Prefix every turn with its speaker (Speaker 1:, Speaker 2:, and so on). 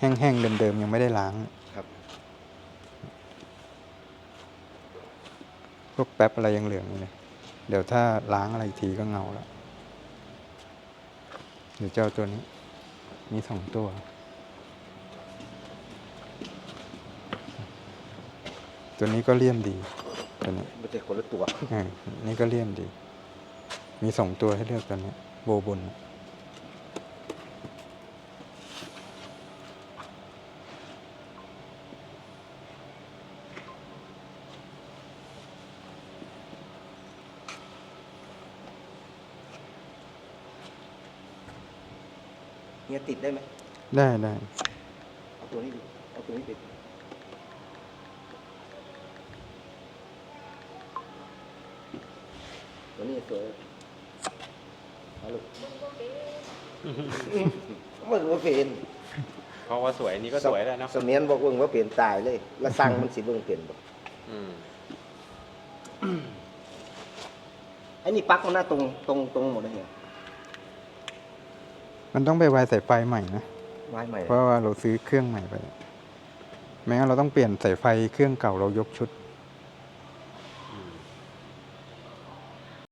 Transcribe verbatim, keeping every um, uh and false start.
Speaker 1: แห้งๆเดิมๆยังไม่ได้ล้าง
Speaker 2: ครับ
Speaker 1: พวกแป๊บอะไรยังเหลืองอยู่เลยเดี๋ยวถ้าล้างอะไรอีกทีก็เงาแล้วเดี๋ยวเจ้าตัวนี้มีสองตัวตัวนี้ก็เลี่ยมดีตัวนี้
Speaker 2: ไม่ใช่คนละตัว
Speaker 1: อ่านี่ก็เลี่ยมดี มีสองตัวให้เลือกตัวนี้โบบน
Speaker 2: เนี่ยติดได้ไหม
Speaker 1: ได้ได้
Speaker 2: เอาตัวนี้ดิเอาตัวนี้ติดตัวนี้สวยเอาลูกมึงว่าเปลี่ยน
Speaker 3: เพราะว่าสวยนี่ก็สวยแล้วเนาะ
Speaker 2: เสมียนบอกมึงว่าเปลี่ยนตายเลยแล้วสั่งมันสิเบิ่งเปลี่ยนบ่
Speaker 3: อืม
Speaker 2: ไอ้นี่ปลั๊กมันหน้าตรงตรงตรงหมดเลยเนี่ย
Speaker 1: มันต้องไปวายสายไฟใหม่นะ
Speaker 2: ไม้ใหม่
Speaker 1: เพราะว่าเราซื้อเครื่องใหม่ไปไม่งั้นเราต้องเปลี่ยนสายไฟเครื่องเก่าเรายกชุด